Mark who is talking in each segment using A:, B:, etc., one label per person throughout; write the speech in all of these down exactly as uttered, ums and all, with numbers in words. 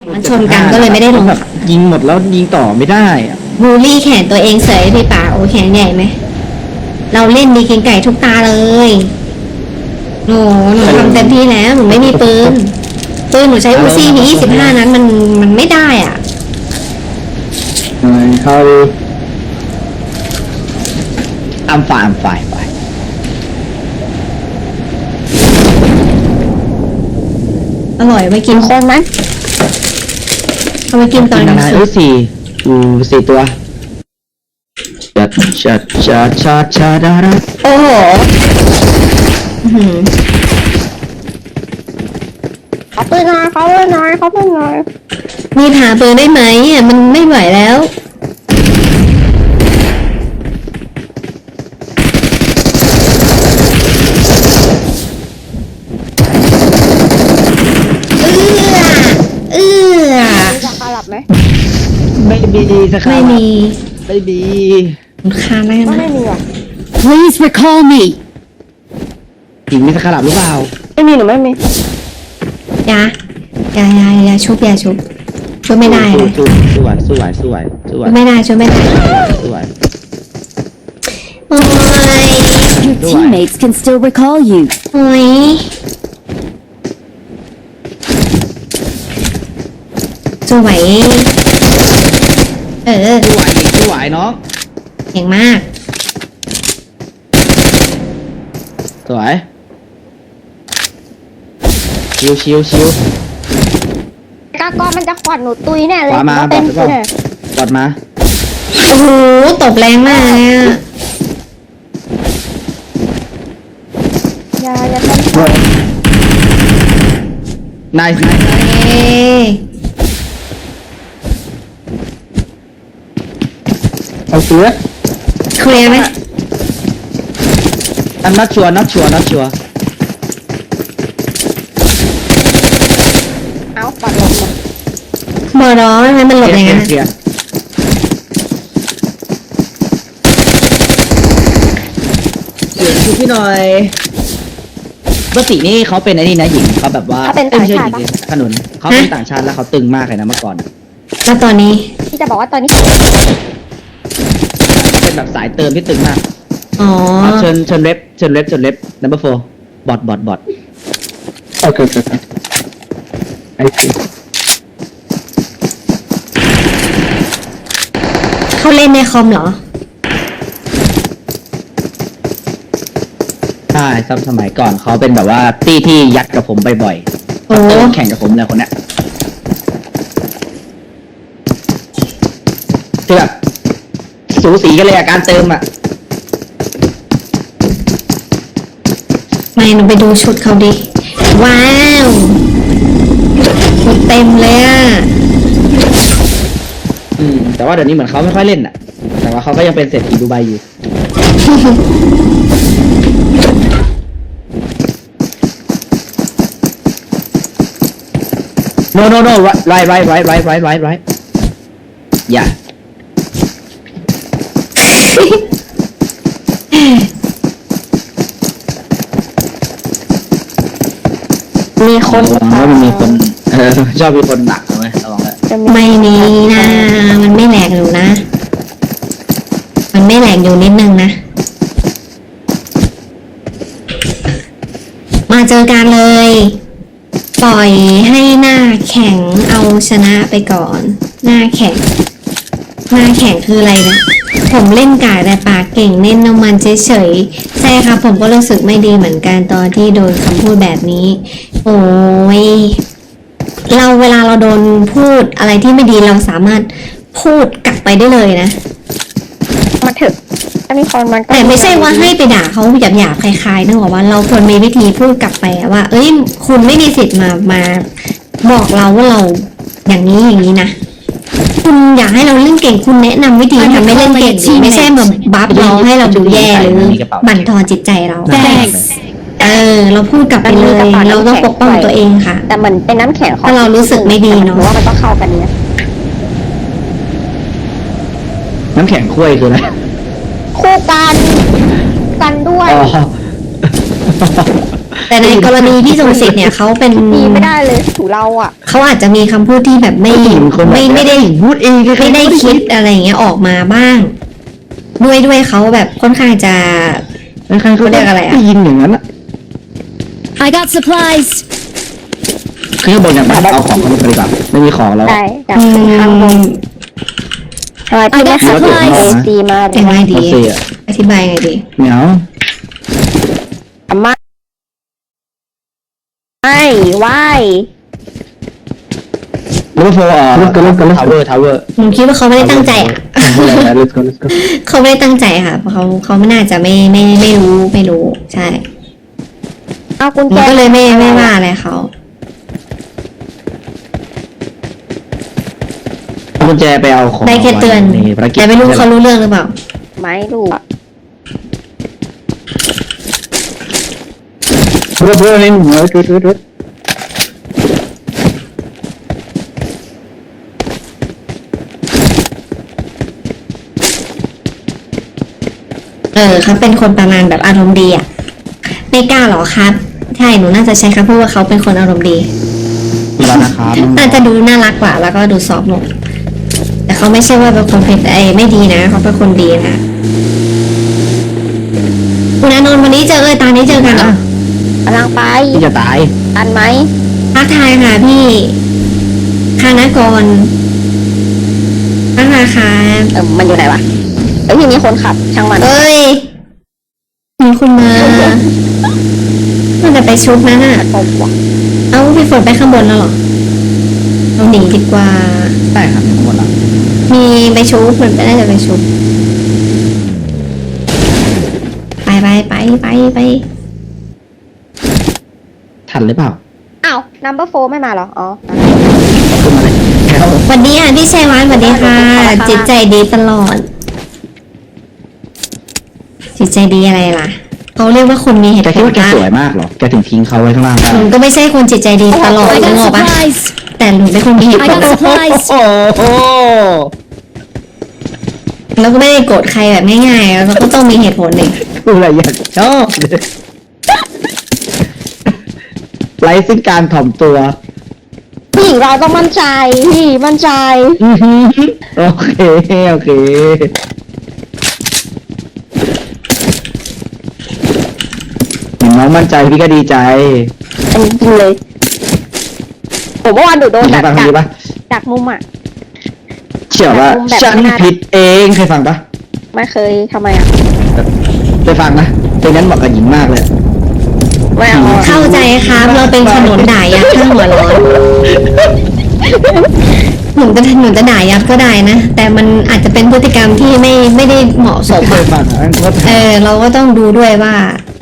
A: มันชนกันก็เลยไม่ได้ลง
B: แบบยิงหมดแล้วยิงต่อไม่ได้อะ
A: บูลลี่แขนตัวเองเสยพี่ป่าโอ้แขนใหญ่ไหมเราเล่นดีเก่งไก่ทุกตาเลยโอ้หนูทำเต็มที่แล้วหนูไม่มีปืนปืนหนูใช้อูซี่มียี่สิบห้านั้นมันมันไม่ได้อ่ะ
B: เขา I'm fine I'm fine fine
A: อร่อยไปกินโค้งไหมเอาไปกินตอนกลาง
B: นะ
A: คื
B: เอ้ย
A: น
B: สี่อูสี่ตัวชัดชัดชัดชัดชัดดารา
A: โอ้โหอื้อหือ
C: เขาปืนน้อยเขาปืนน้อยเขาปืนน้อย
A: มีหาปืนได้ไหมอ่ะมันไม่ไหวแล้วเอื้อเอื้อ
C: มีจากคารับไหม
B: ไม่มีสักครั้
A: ไม่
B: ง
A: มี
B: ไม่มี
A: ค่าแน่
C: ก็
A: นะ
C: ไม่มีอ่ะ
D: Please recall me.
B: หญิงมีสักขลับหรือเปล่า
C: ไม่มีหนูไม่มี
A: ยา ยายายาชุบยาชุบชุบไม่ได้เลย
B: สู้สู้สู้ไหวสู้ไหวสู้ไหว
A: ชุบไม่ได้ชุบไม่ได้
B: สู้ไหว
A: โอ้ย
D: Your teammates can still recall you.
A: โอ้ยสวยเออ
B: สู้ไหวหญิงสู้ไหวน้อง
A: เก่งมาก
B: สวยชิวชิวชิว
C: กากอนมันจะขวัญหนูตุยแน่เลย
B: ขวามา
C: เต็ม
B: บอด
C: เลย
B: บอดมา
A: โอ้โหตบแรงมากเลยอะ
C: อย่าอย่าทำ
B: นายนาย
A: เอ้ย
B: เอาเสือ
A: เคลียร์ไหม
B: อันนัดชัวร์นัดชัวร์นัดชัวร์
C: เอาปัดลงมา
A: หมอร้อนไหมมันหลบอย่างนั้น
B: เคลียร์เสียงคือพี่หน่อยปกตินี่เขาเป็นไอ้นี่นะหญิงเขาแบบว่าอ้ยไม่ใช่หญิงดิขนุนเขาเป็นต่างชาติแล้วเขาตึงมากเลยนะเมื่อก่อน
A: แล้วตอนนี้
C: ที่จะบอกว่าตอนนี้
B: เป็นแบบสายเติมที่ตึงมาก
A: อ๋อ
B: เอาเชิญเชิญเล็บเชิญเล็บเชิญเล็บ number four บอดบอดบอด
E: โอเคโอเคไอซี
A: เขาเล่นในคอมเหรอ
B: ใช่สมสมัยก่อนเขาเป็นแบบว่าตี้ที่ยัดกับผมบ่อยๆ
A: โอ้
B: เติมแข่งกับผมเลยคนเนี้ยคือแบบสูสีกันเลยอะการเติมอะ
A: ไม่หนูไปดูชุดเขาดิ ว้าวชุดเต็มเลยอ่ะ
B: อืมแต่ว่าเดี๋ยวนี้เหมือนเขาไม่ค่อยเล่นอะแต่ว่าเขาก็ยังเป็นเศรษฐีดูไบอยู่ no no no right right right right right right right yeah
C: มีคน
B: ระวังว่ามันมีคนเออชอบมีคนหนักเอาไว้ระวังเลย
C: จะ
A: ไม่มีนะ มันไม่แหลกอยู่นะ มันไม่แหลกอยู่นิดนึงนะ มาเจอกันเลย ปล่อยให้หน้าแข็งเอาชนะไปก่อน หน้าแข็ง หน้าแข็งคืออะไรนะ ผมเล่นกากแต่ปากเก่งเล่นน้ำมันเฉยๆใช่ครับผมก็รู้สึกไม่ดีเหมือนกันตอนที่โดนคำพูดแบบนี้ โอ้ย เราเวลาเราโดนพูดอะไรที่ไม่ดีเราสามารถพูดกลับไปได้เลยนะ
C: มาถึงถ้ามีคนมันก็
A: แต่ไม่ใช่ว่าให้ไปด่าเขาหยาบๆคล้ายๆนึกออกว่าเราควรมีวิธีพูดกลับไปอะว่า เอ้ยคุณไม่มีสิทธิ์มามาบอกเราว่าเราอย่างนี้อย่างนี้นะคุณอยากให้เราเล่นเก่งคุณแนะนำวิธีทำให้เล่นเก่งดีไม่ใช่แบบบัฟเราให้เราดูแย่หรือบั่นทอนจิตใจเรา
D: Thanks.
A: เออ เราพูดกลับไปเลย เราต้องปกป้องตัวเองค่ะ
C: แต่เหมือนเป็นน้ำแข็งของ
A: ถ้าเรารู้สึกไม่ดีเนอะ
C: หนูว่ามันก็เข้ากันเนี่ย
B: น้ำแข็งคุ้ยคืออะไร
C: คู่กันกันด้วย
B: อ๋อ
A: แต่ในกรณีพี่ทรงสิทธิ์เนี่ยเขาเป็น
C: ดีไม่ได้เลยถูเราอ่ะ
A: เขาอาจจะมีคำพูดที่แบบไม่
B: ผู้หญิงคนแบบ
A: ไม่ไม่ได้
B: พูดเองใครๆ
A: ไม่ได้
B: ก็
A: คิดอะไรอย่างเงี้ยออกมาบ้าง ด้วยด้วยเขาแบบค่อนข้างจะ
B: ใครๆก็
A: เขาเรียกอะไรอะ
B: ด้ยินอย่างนั้นอะ
D: I got supplies.
B: คือข้างบนเนี่ยมันเอาของเขาไปดีกว่าไม่มีของแล้ว
C: ใช่จาก
A: อื
C: ข้างบน
A: ม
C: ทำไมพี่ไม่
D: I got
C: ขับ
D: supplies
C: ดีมากเล
A: ยังไง
C: ย
A: ดี
B: เขาเสีย
A: อธิบายไงดี
B: เหนียว
C: อาม่าไม่ไหว
B: แล้วก็โฟร์อ่ะ
E: Let's go, let's go, let's go.
B: ทาวเวอร์ทาวเวอร์
A: ผมคิดว่าเขาไม่ได้ตั้งใจอ่ะ
E: Yeah, let's go, let's go.
A: เขาไม่ได้ตั้งใจค่ะเพราะเขาเขาไม่น่าจะไม่ไม่ไม่รู้ไม่รู้ ใช่
C: เอากุญ
A: ผ
C: แจ
A: มก็เลยไม่ไม่ว่าอะไรเขา
B: เอากุญแจไปเอาของ
A: ได้แค่เตือน
B: ในภารกิจ
A: แต่ไม่รู้เขารู้เรื่องหรือเปล่า
C: ไม่รู้อะ
E: Bro, bro, in. Wait, wait, wait, wait.
A: เออเขาเป็นคนประมาณแบบอารมณ์ดีอ่ะไม่กล้าหรอครับ ใช่หนูน่าจะใช้คำพูดว่าเขาเป็นคนอารมณ์ดี
B: แล้วนะครับ
A: น่าจะดูน่ารักกว่า แล้วก็ดูซอฟต์ลงแต่เขาไม่ใช่ว่าเป็นคนเพชรไอ้ไม่ดีนะเขาเป็นคนดีนะคุณอานนท์วันนี้เจอเอ้ยตอนนี้เจอกันเหรอก
C: ำลังไป
B: พี่จะตาย
C: ทันไหม
A: ทักทายค่ะพี่คานากรทักทายค่ะ
C: เออมันอยู่ไหนวะเอ้ยพี่มีคนขับช่างมัน
A: เอ้ยมีคุณมามันจะไปชุบนั่นน่ะ
C: ตบว่ะ
A: เอ้าพี่ฝนไปข้างบนแล้วเหรอเราหนีดีกว่า
B: ได้ครับทั้งหมดแล้ว
A: มีไปชุบมันน่าจะไปชุบไปไปไปไปไป
B: ทันหรือเปล่า
C: อ้าว number four ไม่มาเหรอ อ๋อ
B: ขึ้นมาเลยแล้ว
A: สวัสดีค่ะพี่ชัยวัฒน์สวัสดีค่ะ จิตใจดีตลอด จิตใจดีอะไรล่ะเขาเรียกว่าคนมีเหตุ
B: แก
A: ผ
B: คิด
A: ล
B: ว่าแก
A: นะ
B: สวยมากเหรอ แกถึงทิ้งเขาไว้ข้างล่างได้
A: หนูก็ไม่ใช่คนจิตใจดีตลอด
D: I
A: นึก
D: got
A: ออกปะ
D: supplies.
A: แต่หนูเป็นคนมีเหตุ
D: I
A: ผล
D: got supplies.
B: โอ้โห
A: แล้วก็ไม่ได้โกรธใครแบบง่ายๆแล้วก็ต้องมีเหตุผลหนึ่ง
B: กูอะไรอยากชอบเลยไร้ซึ่งการถ่อมตัว
C: ผู้หญิงเราต้องมั่นใจ พี่มั่นใจ
B: อื้อหือโอเค โอเค เห็นน้องมั่นใจพี่ก็ดีใจ
C: อันนี้จริงเลย ผมเมื่อวานดูโดน
B: เค
C: จาย ก
B: ฟัง
C: จาก
B: ดีปะ
C: จากมุมอ่ะ
B: เชื่อว่า
C: แบบ
B: ฉัน
C: ไม่น่า
B: ผิดเองเคยฟังปะ
C: ไม่เคยทำไมอ่ะ
B: เคยฟังนะเพลงนั้นเหมาะกับหญิงมากเลย
C: ไม่เอาอะ
A: เข้าใจครับเราเป็นขนุนด่ายัดข้างหัวร้อนหนูจะหนูจะด่ายับก็ได้นะ แต่มันอาจจะเป็นพฤติกรรมที่ไม่ไม่ได้เหมาะสม
B: เค
A: อะ
B: ยฟังอ่ะโคตร
A: เออ เราก็ต้องดูด้วยว่า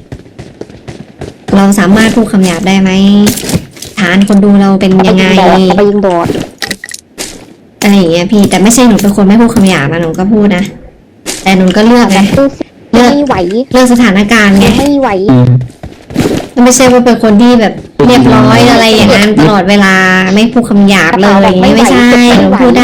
A: เราสามารถพูดคำหยาบได้ไหมฐานคนดูเราเป็นยังไง
C: เอาไปยิงบอด
A: อะไรอย่างเงี้ยพี่แต่ไม่ใช่หนูเป็นคนไม่พูดคำหยาบนะหนูก็พูดนะแต่หนูก็เลือก
C: เอาไป
A: ไง
C: ยิงบอดไม่ไหว
A: เลือกสถานการณ์ไง
C: ไม่ไหว
B: อืม
A: ไม่ใช่ว่าเป็นคนที่แบบเรียบร้อยอะไรอย่างนั้นตลอดเวลาไม่พูดคำหยาบเลยอย่างงี้ไม่ใช่หนูพูดได้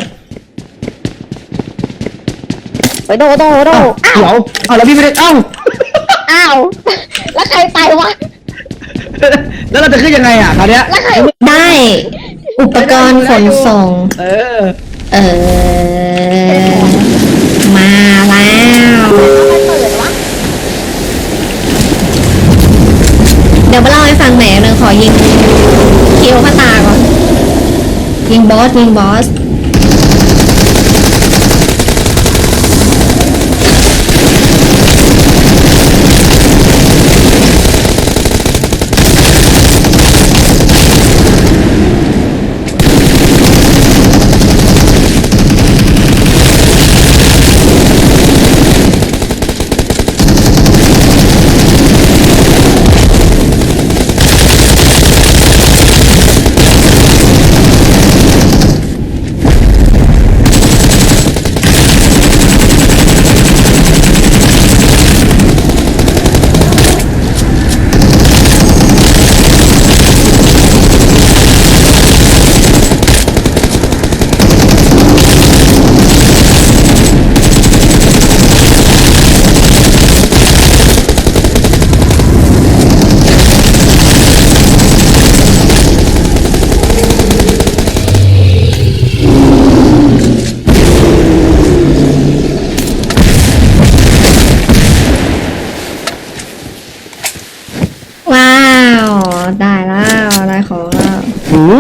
C: ไปโดโดโดอ้าว
B: เดี๋ยวเอาแล้วพี่ไม่ได้เอ้า
C: อ้าว แล้วใครตายวะ
B: แล้วเราจะขึ้นยังไงอ่ะคราวเนี้ย
C: แล้วใคร
A: ได้อุปกรณ์ขนส่ง
B: เออ
A: เออ มาแล้ว
C: ใครเปิดวะ
A: เดี๋ยวมาเล่าให้ฟังแหมหนึ่งขอยิงคิวข้าตาก่อน ยิงบอส ยิงบอส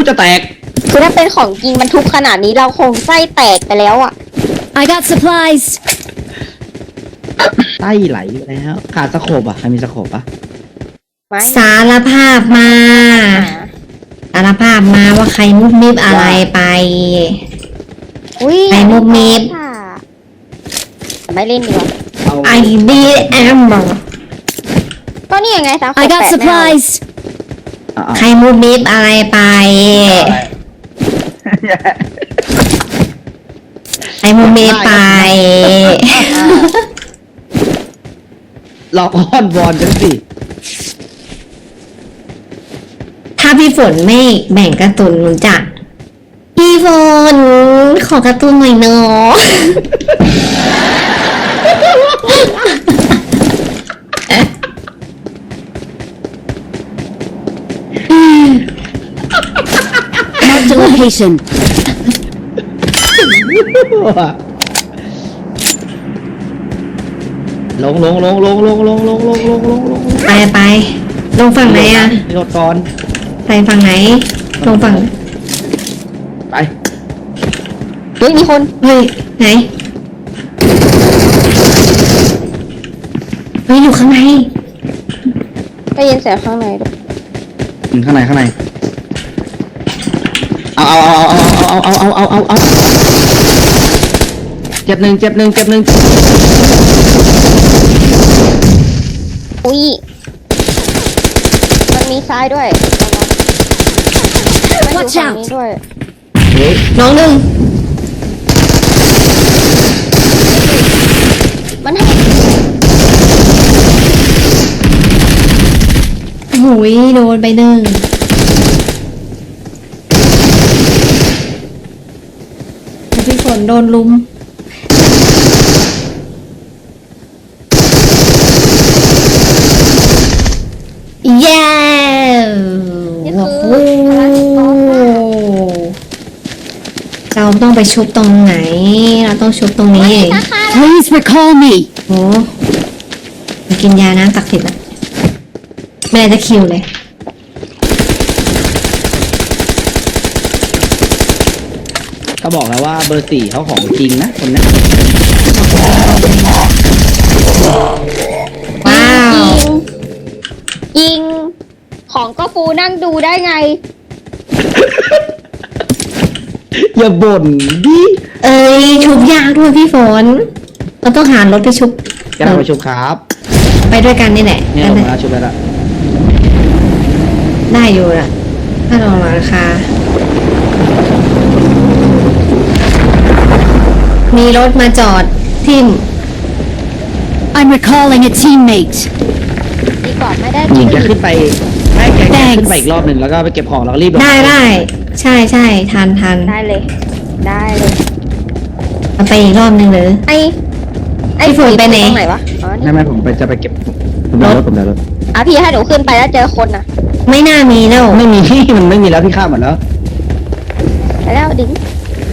B: จะแตก
C: คือถ้าเป็นของจริงมันทุบขนาดนี้เราคงไส้แตกไปแล้วอ่ะ
D: I got supplies.
B: ไส้ไหลอยู่แล้วขาดสโคบอ่ะใครมีสโคบปะ
C: ไม่
A: สารภาพมา สารภาพมาว่าใครมุบมิบอะไรไป
C: อุ้ย
A: ไอ้มุกมิบ
C: ค่ะไม่เล่นดีกว่า
B: เอา
A: ไอดีแอมบอ
C: ก็นี่ยังไงสาว
D: I got supplies.
B: เอาเอา
A: ใครมุบมิบอะไรไป ใครมุบมิบไป
B: ลองอ้อนวอนกันสิ
A: ถ้าพี่ฝนไม่แบ่งการ์ตูนหนูจะพี่ฝนขอการ์ตูนหน่อยเนาะ
D: Mark the location.
B: ลงลงลงลงลงลงลงลงลงลงลง
A: ไปไปลงฝั่งไหนอะ
B: โดดก่อน
A: ไปฝั่งไหนลงฝั่ง
B: ไป
C: เฮ้ยมีคน
A: เฮ้ยไหนเฮ้ยอยู่ข้างใน
C: ได้ยินเสียงข้างในด้วย
B: อืมข้างในข้างในเอาเอาเอาเอาเอาเอาเอาเอาเอาเจ็บหนึ่งเจ็บหนึ่งเจ็บหนึ่ง
C: อุ้ยมันมีซ้ายด้วยมันอยู่
D: Watch
C: ฝั่ง
D: out
C: นี้ด้วย
B: เฮ้ย
A: น้องหนึ่ง
C: มันให้
A: หุยโดนไปหนึ่งแล้วพี่ฝนโดนลุมเย้
C: นี่
A: โอ้
C: คือ
A: โห
C: พลังกอล์ฟอะ
A: เราต้องไปชุบตรงไหน เราต้องชุบตรงนี้เอง
C: ราคา
D: Please recall me.
A: โอ้มากินยาน้ำตักดิ์สิทธิ์ละไม่ได้จะคิวเลย
B: เขาบอกแล้วว่าเบอร์สี่เขาของจริงนะคนนี้
A: ว้าว
C: ยิงยิงของก็ฟูนั่งดูได้ไง
B: อย่าบ่นดิ
A: เอ้ยชุบยากด้วยพี่ฝน เราต้องหารถไปชุบ
B: แกเราไปชุบครับ
A: ไปด้วยกันนี่แหละ
B: เนี่ยลงมาแล้วชุบแล้วละ
A: ได้อยู่ละถ้าลองราคา มีรถมาจอดทิม
D: I'm recalling a teammate.
C: ดีกว่าไม่ได้
B: หญิงจะขึ้นไปให้แกแก
D: Thanks
B: ขึ้นไปอีกรอบหนึ่งแล้วก็ไปเก็บของแล้วก็รีบลง
A: ได้ได้ ใช่ใช่ทันทัน
C: ได้เลย ได้เลย
A: เอาไปอีกรอบหนึ่งหรือ
C: ไอไอ
A: พี่ฝนไปไหน
C: ตรงไหนวะอ๋อนี่
B: ไม่ไม่ผมไปจะไปเก็บผมเดินรถผมเดินรถ
C: อ่ะพี่ให้หนูขึ้นไปแล้วเจอคนน่ะ
A: ไม่น่ามีแล้ว
B: ไม่มีที่มันไม่มีแล้วพี่ข้ามหมดแล้ว
C: ไปแล้วดิ้ง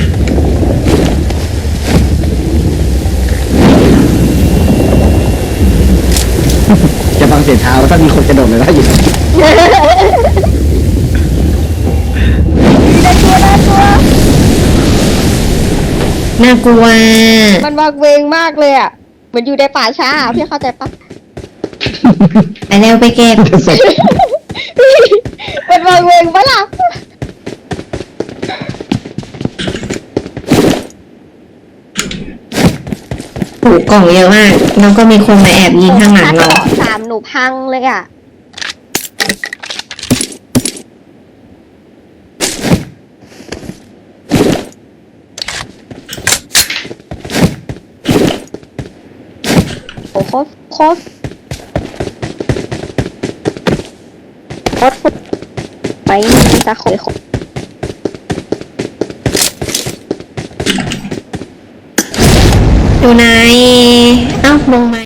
B: จะฟังเสียงเท้าถ้ามีคนกระโดดเลยนะอยู่
C: ได้ตัวได้ตัว
A: น่ากลัว
C: มันวางเวงมากเลยอ่ะเหมือนอยู่ในป่าช้าอะพี่เข้าใจปะ
A: ไปเร็วไปเก็บ
C: มันวางเวงปะล่ะ
A: ถูกกล่องเยอะมาก แล้วก็มีคนมาแอบยิงข้างหลังเรา
C: ถ้าสามหนูพังเลยอ่ะโอ้โคตรโคตรโคตรฟุไปมีตาโขย
A: อยู่ไหน เอ้าลงมา